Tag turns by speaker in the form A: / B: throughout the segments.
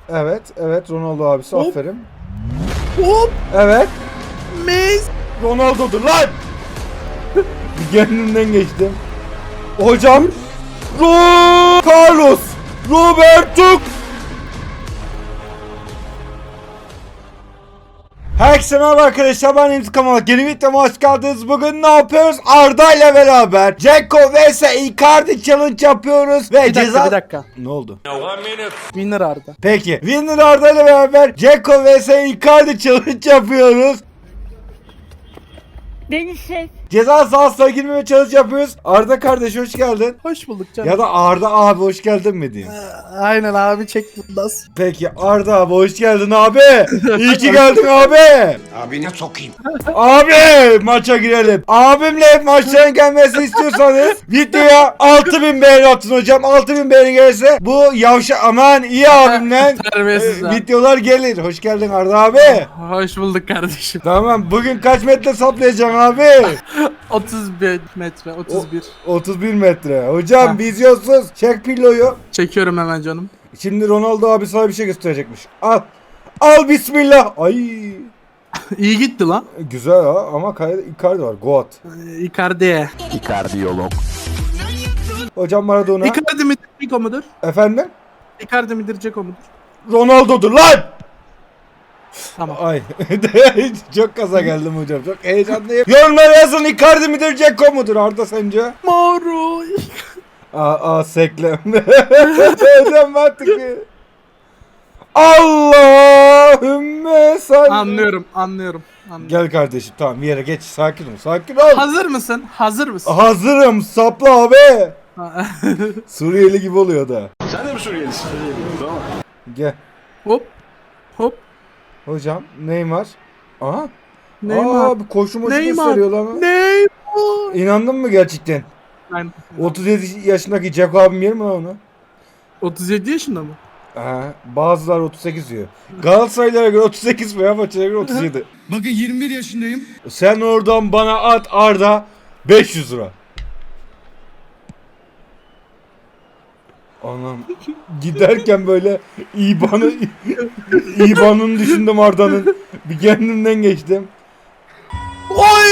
A: Evet, evet Ronaldo abisi
B: Hop.
A: aferin.
B: Hop.
A: Evet.
B: Messi.
A: Ronaldo'dur lan. Kendimden geçtim. Hocam. Carlos. Roberto. Herkese merhaba arkadaşlar, ben İntikam olarak yeni videoma hoş geldiniz. Bugün ne yapıyoruz? Arda ile beraber Dzeko vs Icardi challenge yapıyoruz ve
B: Bir dakika.
A: Ne oldu?
B: Winner Arda.
A: Peki Winner Arda ile beraber Dzeko vs Icardi challenge yapıyoruz.
C: Beni şef.
A: Ceza sahasına girmeme challenge yapıyoruz. Arda kardeş hoş geldin.
B: Hoş bulduk canım.
A: Ya da Arda abi hoş geldin mi diyeyim.
B: Aynen abi, çek bundan.
A: Peki Arda abi hoş geldin abi. İyi ki geldin abi.
D: Abine sokayım.
A: Abi maça girelim. Abimle maçların gelmesini istiyorsanız videoya 6000 beğeni atın hocam. 6000 beğeni gelirse bu aman iyi abimle
B: Terbiyesiz ha.
A: videolar gelir. Hoş geldin Arda abi.
B: Hoş bulduk kardeşim.
A: Tamam, bugün kaç metre saplayacaksın abi?
B: 31 metre, 31.
A: 31 metre. Hocam
B: Ha.
A: vizyonsuz. Çek pilloyu.
B: Çekiyorum hemen canım.
A: Şimdi Ronaldo abi sana bir şey gösterecekmiş. Al. Al bismillah. Ay.
B: İyi gitti lan.
A: Güzel ha ama Icardi var. Goat.
B: Icardi.
A: Hocam Maradona.
B: Icardi midir, Dzeko mudur?
A: Efendim?
B: Icardi midir, Dzeko mudur?
A: Ronaldo'dur lan.
B: Tamam.
A: Ay. Çok kaza geldim hocam. Çok heyecanlıyım. Yorumlara yazın, Icardi midir Dzeko mudur Arda sence?
B: Mauro.
A: Seklem. Hocam artık. Allahümme salli.
B: Anlıyorum.
A: Gel kardeşim, tamam bir yere geç, sakin ol.
B: Hazır mısın?
A: Hazırım, sapla abi. Suriyeli gibi oluyor da.
D: Sen de mi Suriyelisin? Tamam.
A: Gel.
B: Hop.
A: Hocam Neymar. Aha.
B: Neymar.
A: Bir koşu moşu
B: Neymar.
A: gösteriyor lan.
B: Neymar.
A: İnandın mı gerçekten?
B: Aynen.
A: 37 yaşındaki Jack abim yer mi lan onu?
B: 37 yaşında mı?
A: Bazılar 38 diyor. Galatasaraylara göre 38, Fenerbahçe'ye göre 37.
D: Bakın 21 yaşındayım.
A: Sen oradan bana at Arda 500 lira. Anam giderken böyle İBAN'ını düşündüm Arda'nın. Bir kendimden geçtim.
B: Oy!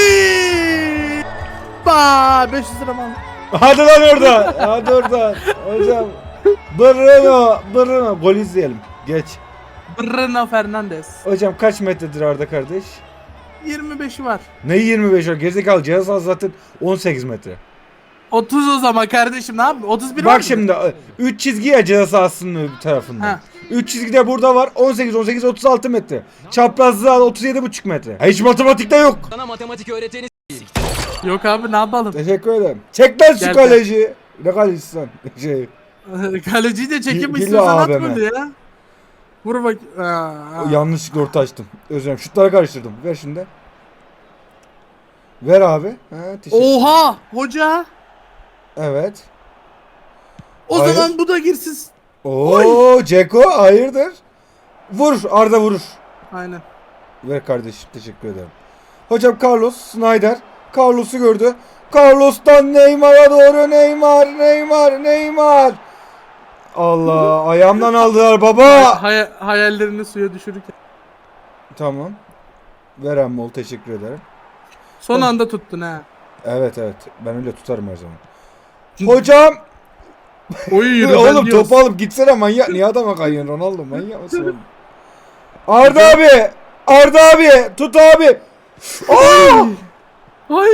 B: 500 lira mı aldın?
A: Hadi lan orada. Hadi oradan. Hocam. Bruno. Gol izleyelim. Geç.
B: Bruno Fernandes.
A: Hocam kaç metredir Arda kardeş?
B: 25'i var.
A: Ne 25 var? Gerizekalı, cihaz zaten 18 metre.
B: 30 o zaman kardeşim, ne yapayım? 31 var
A: Bak
B: mı?
A: şimdi 3 çizgi ya cihaz sahasının bir tarafında.
B: Ha.
A: 3 çizgi de burada var. 18 36 metre. Çaprazlığı al 37,5 metre. Hiç matematikte yok.
E: Sana matematik öğreteni
B: Yok abi, ne yapalım?
A: Teşekkür ederim. Çek lan şu
B: Gel,
A: kaleci. Ne kalecisi sen?
B: Kaleciyi de çekip
A: Hile
B: istiyorsan at
A: AVM.
B: golü ya. Vur bak.
A: Yanlışlıkla orta açtım. Özür dilerim. Şutları karıştırdım. Ver şimdi. Ver abi. Teşekkür.
B: Oha hoca.
A: Evet.
B: O
A: Hayır.
B: zaman bu da girsin.
A: Oo, Dzeko hayırdır? Vur, Arda vurur.
B: Aynen.
A: Ver kardeşim, teşekkür ederim. Hocam Carlos Snyder. Carlos'u gördü. Carlos'tan Neymar'a doğru Neymar. Allah, ayağımdan aldılar baba.
B: Hayallerini suya düşürürken.
A: Tamam. Veren bol, teşekkür ederim.
B: Son anda tuttun ha.
A: Evet, ben öyle tutarım her zaman. Hocam.
B: Oy yürü.
A: Oğlum topu alıp gitsene manyak. Niye adama kayıyorsun Ronaldo, manyak mısın oğlum? Arda abi tut abi.
B: Ay.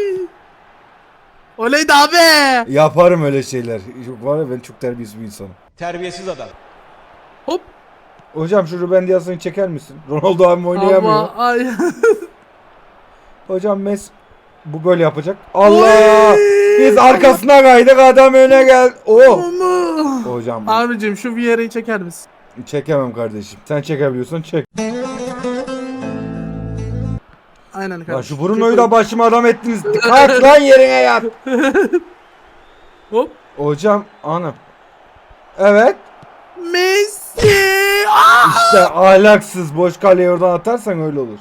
B: Oleydi abi.
A: Yaparım öyle şeyler. Yok var ya, ben çok terbiyesiz bir insanım.
D: Terbiyesiz adam.
B: Hop.
A: Hocam şu Ruben Dias'ını çeker misin? Ronaldo abim oynayamıyor.
B: Ama ay.
A: Hocam bu böyle yapacak. Allah!
B: Oy!
A: Biz arkasına kaydık, adam öne gel. Oh! Hocam
B: Abicim şu Vieira'yı çeker misin?
A: çekemem kardeşim. Sen çekebiliyorsan çek.
B: Aynen kardeşim.
A: Lan şu Bruno'yu da başıma adam ettiniz. Kalk lan yerine yat.
B: Hop.
A: Hocam anam. Evet.
B: Messi.
A: İşte ahlaksız, boş kaleye oradan atarsan öyle olur.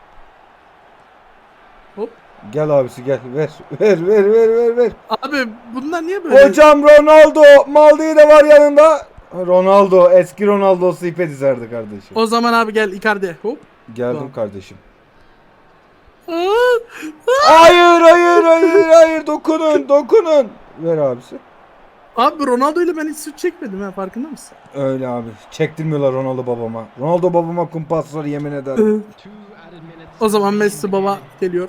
B: Hop.
A: Gel abisi gel. Ver.
B: Abi bunlar niye böyle?
A: Hocam Ronaldo. Maldini de var yanında. Ronaldo, eski Ronaldo'su ipe dizerdi kardeşim.
B: O zaman abi gel Icardi. Hop.
A: Geldim
B: Tamam.
A: kardeşim.
B: Aa,
A: Hayır, dokunun. Ver abisi.
B: Abi Ronaldo ile ben hiç süt çekmedim ha, farkında mısın?
A: Öyle abi. Çektirmiyorlar Ronaldo babama. Ronaldo babama kumpaslar yemin ederim.
B: O zaman Messi baba geliyor.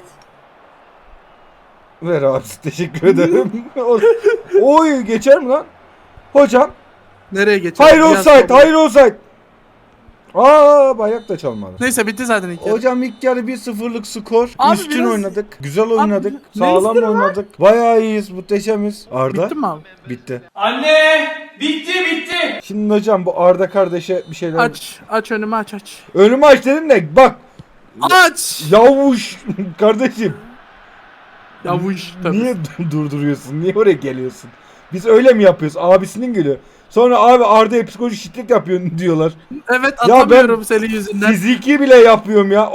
A: Ver abisi, teşekkür ederim. Oy, geçer mi lan? Hocam.
B: Nereye geçiyor?
A: Hayır
B: Biraz
A: offside,
B: sonra.
A: hayır offside. Bayrak da çalmadı.
B: Neyse bitti zaten ilk yarı.
A: Hocam ilk yarı 1-0'lık skor.
B: Abi
A: Üstün
B: biraz-
A: oynadık. Güzel oynadık.
B: Abi,
A: Sağlam
B: ne istiyor
A: oynadık. Bayağı iyiyiz, muhteşemiz. Arda.
B: Bitti mi abi?
A: Bitti.
C: Anne! Bitti!
A: Şimdi hocam bu Arda kardeşe bir şeyler...
B: Aç önümü aç.
A: Önümü aç dedim de bak.
B: Aç!
A: Yavuş kardeşim.
B: Ya bu iş tabii.
A: Niye durduruyorsun? Niye oraya geliyorsun? Biz öyle mi yapıyoruz? Abisinin geliyor. Sonra abi Arda'ya psikolojik şiddet yapıyorsun diyorlar.
B: Evet
A: Ya
B: atamıyorum senin yüzünden.
A: Fiziki bile yapıyorum ya.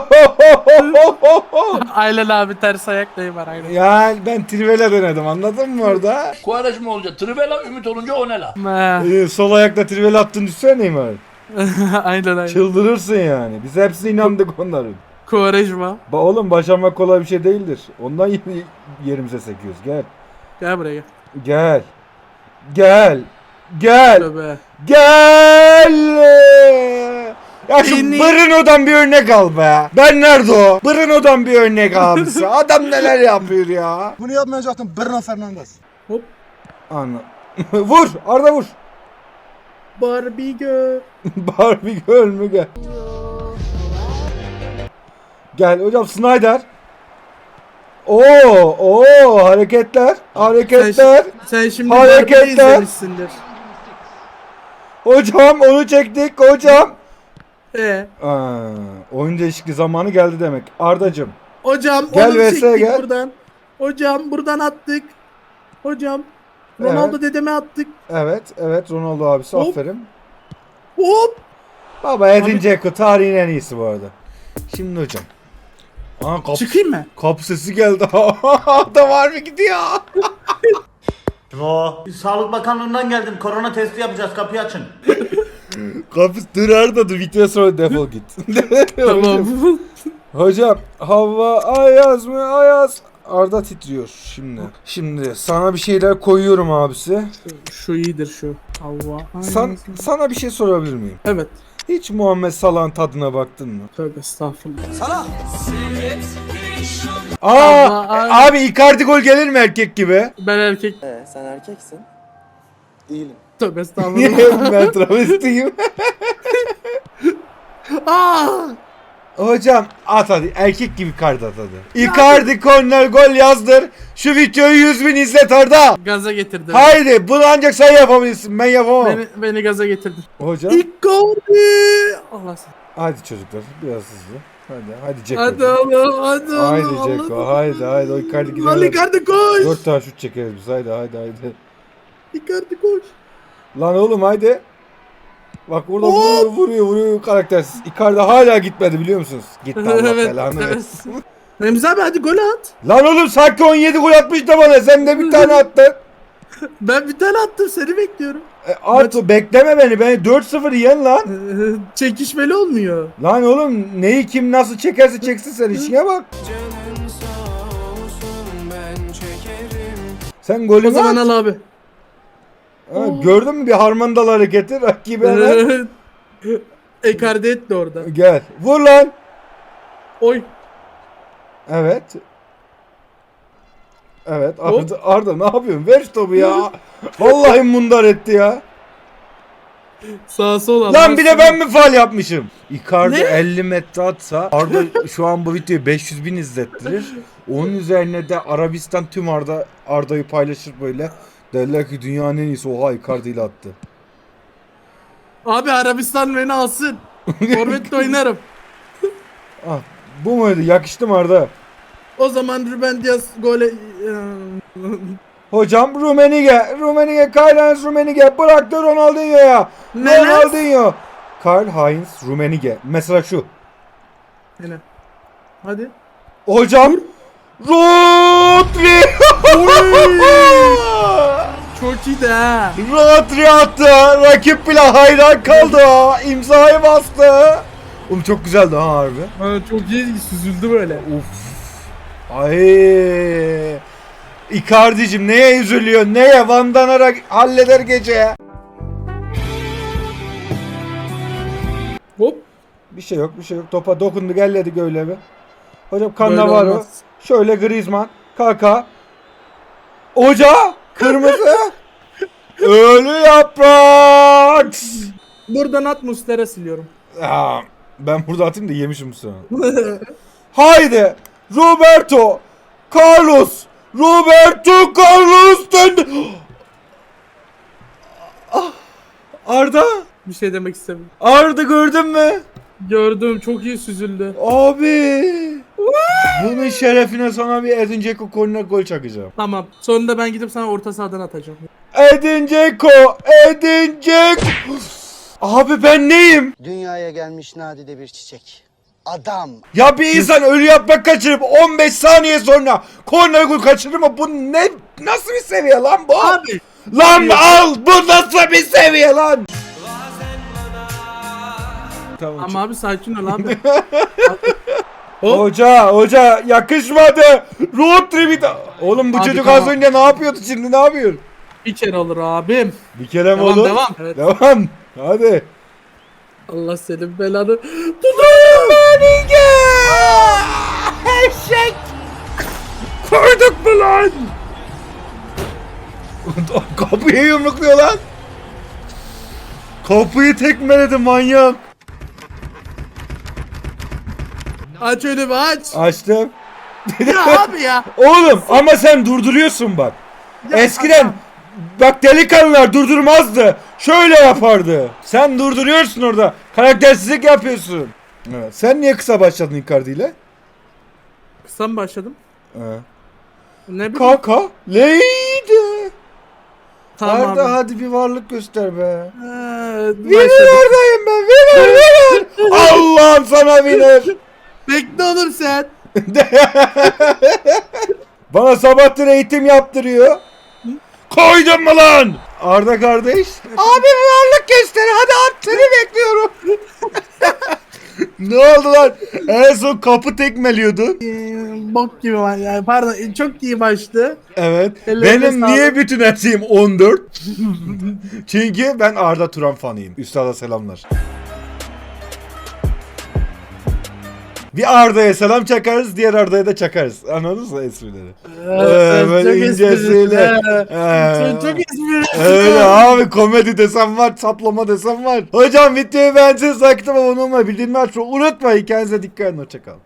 B: Aynen abi ters ayaktayım var aynen.
A: Yani ben trivela denedim, anladın mı orada?
C: Kuvareşme olunca trivela, ümit olunca o ne la?
A: Sol ayakla trivela attın düşsene Neymar.
B: Aynen.
A: Çıldırırsın yani. Biz hepsine inandık onların.
B: Quaresma.
A: Oğlum başarmak kolay bir şey değildir. Ondan yerimize sekiyoruz. Gel.
B: Gel buraya gel.
A: Gel. Gel. Gel.
B: Tövbe.
A: Gel. Ya şu
B: Beni-
A: Bruno'dan bir örnek al be. Ben nerede o? Bruno'dan bir örnek abisi. Adam neler yapıyor ya.
D: Bunu yapmayacaktım Bruno Fernandes.
B: Hop.
A: Anla. Vur. Arda vur.
B: Barbie girl.
A: Barbie göl mü gel. Gel hocam Snyder. Hareketler.
B: Sen şimdi
A: Hareketler.
B: Barbie'yi izlemişsindir.
A: Hocam onu çektik hocam. Oyun değişikliği zamanı geldi demek. Ardacım.
B: Hocam
A: Gel
B: onu
A: VS
B: çektik
A: gel.
B: buradan. Hocam buradan attık. Hocam. Ronaldo dedeme attık.
A: Evet Ronaldo abisi,
B: Hop.
A: aferin.
B: Hop.
A: Baba Edin Dzeko tarihin en iyisi bu arada. Şimdi hocam.
B: Çıkayım mı?
A: Kapı sesi geldi. Da var mı gidiyor?
E: Sağlık Bakanlığı'ndan geldim. Korona testi yapacağız. Kapıyı açın.
A: Kapı dur Arda, dur bitiyor sonra defol git.
B: Tamam.
A: Hocam hava ayaz mı ayaz? Arda titriyor şimdi. Şimdi sana bir şeyler koyuyorum abisi.
B: Şu iyidir şu. Allah.
A: Sana bir şey sorabilir miyim?
B: Evet.
A: Hiç Muhammed Salah'ın tadına baktın mı?
B: Tövbe estağfurullah.
A: Aa, abi Icardi gol gelir mi erkek gibi?
B: Ben erkek.
F: Sen erkeksin.
B: Tövbe estağfurullah.
A: Ben travestiyim. Hocam at hadi, erkek gibi kart at hadi. Icardi korner gol yazdır. Şu videoyu 100.000 izlet Arda.
B: Gaza getirdi.
A: Haydi bunu ancak sen yapabilirsin, ben yapamam.
B: Beni gaza getirdi.
A: Hocam
B: Icardi. Allah sen.
A: hadi çocuklar biraz hızlı. Hadi Ceko.
B: Hadi oğlum hadi oğlum.
A: Haydi Ceko, haydi o Icardi
B: Lan
A: gider.
B: Icardi koş.
A: 4 tane şut çekeriz biz, haydi.
B: Icardi koş.
A: Lan oğlum haydi. Bak burada vuruyor karaktersiz. Icardi hala gitmedi biliyor musunuz? Gitti, Allah belanı versin.
B: Remzi abi hadi gol at.
A: Lan oğlum sanki 17 gol atmış da bana, sen de bir tane attın.
B: Ben bir tane attım seni bekliyorum.
A: At bekleme beni 4-0 yen lan.
B: Çekişmeli olmuyor.
A: Lan oğlum neyi kim nasıl çekerse çeksin, sen işine bak. Sen
B: O
A: golünü
B: zaman
A: at.
B: al abi.
A: Ha, gördün mü bir harmandalı hareketi rakibi hemen.
B: Icardi etti orada.
A: Gel vur lan.
B: Oy.
A: Evet
B: Hop.
A: Arda ne yapıyorsun? Ver şu topu ya. Vallahi mundar etti ya.
B: Sağa sola.
A: Lan bir de ben mi faul yapmışım? Icardi
B: Ne?
A: 50 metre atsa Arda şu an bu videoyu 500.000 izlettirir. Onun üzerine de Arabistan tüm Arda'yı paylaşır böyle. Derler ki dünyanın en iyisi, oha Icardi ile attı.
B: Abi Arabistan beni alsın. Forvet'te oynarım.
A: Ah, bu muydu? Yakıştı mı Arda?
B: O zaman Ruben Dias gole...
A: Hocam Rummenigge, Karl-Heinz Rummenigge bıraktı Ronaldinho'ya.
B: Ne?
A: Ronaldinho. Karl-Heinz Rummenigge. Mesela şu.
B: Yine. Hadi.
A: Hocam Rodri.
B: Çok iyi de ha.
A: Rodri attı. Rakip bile hayran kaldı. İmzayı bastı. Oğlum çok güzeldi ha harbi.
B: Ha, çok iyi süzüldü böyle.
A: Uf. Ay. Icardi'cim neye üzülüyor? Neye? Van Danara halleder gece.
B: Hop.
A: Bir şey yok. Topa dokundu, gelledik öyle bir. Hocam
B: Böyle
A: Cannavaro.
B: olmaz.
A: Şöyle Griezmann. Kaka. Hoca. Kırmızı. Ölü yaprak.
B: Buradan at Muslera siliyorum.
A: Ya, ben burada atayım da yemişim bu sana. Haydi. Roberto. Carlos. döndü. Ah, Arda.
B: Bir şey demek istemiyorum.
A: Arda gördün mü?
B: Gördüm, çok iyi süzüldü.
A: Abi. Bunun şerefine sana bir Edin Dzeko korner gol çakacağım.
B: Tamam. Sonunda ben gidip sana orta sahadan atacağım.
A: Edin Dzeko. Abi ben neyim?
F: Dünyaya gelmiş nadide bir çiçek. Adam.
A: Ya bir insan ölü yaprak kaçırıp 15 saniye sonra korner gol kaçırır mı? Bu ne? Nasıl bir seviye lan bu?
B: Abi.
A: Lan al! Bu nasıl bir seviye lan? Tamam.
B: Ama abi sakin ol abi.
A: Hoca yakışmadı. Road trip'i de... Oğlum bu
B: Abi
A: çocuk
B: tamam.
A: az önce ne yapıyordu, şimdi ne yapıyor?
B: Bir kere olur abim.
A: Bir kere mi
B: Devam
A: olur?
B: devam. Evet.
A: Devam. Hadi.
B: Allah senin belanı.
A: Eşek. Koyduk mu lan? Kapıyı yumrukluyor lan. Kapıyı tekmeledi manyak.
B: Aç önümü aç.
A: Açtım.
B: Ya abi ya.
A: Oğlum ama sen durduruyorsun bak. Eskiden
B: adam.
A: bak delikanlılar durdurmazdı. Şöyle yapardı. Sen durduruyorsun orada. Karaktersizlik yapıyorsun. Evet. Sen niye kısa başladın Icardi ile?
B: Kısa mı başladım?
A: Evet.
B: Ne bileyim.
A: Kaka. Leydi.
B: Tamam
A: Arda
B: abi.
A: hadi bir varlık göster be. Winner
B: Başladım.
A: oradayım ben. Winner. Allah'ım sana winner.
B: Bekle oğlum sen.
A: Bana sabahtır eğitim yaptırıyor. Koydun mu lan? Arda kardeş. Abi bir varlık göster. Hadi at seni bekliyorum. Ne oldu lan? En son kapı tekmeliyordun.
B: Bok gibi var yani. Pardon, çok iyi başladı.
A: Evet.
B: Ellerine
A: Benim
B: sağlık.
A: niye bütün her şeyim 14? Çünkü ben Arda Turan fanıyım. Üstada selamlar. Bir Arda'ya selam çakarız, diğer Arda'ya da çakarız. Anladınız mı esprileri? Böyle incesiyle.
B: Sen çok esprilisin.
A: Öyle abi, komedi desem var, saplama desem var. Hocam videoyu beğendiyseniz like atmayı, abone olmayı, bildirimleri açmayı unutmayın. Kendinize dikkat edin, hoşçakalın.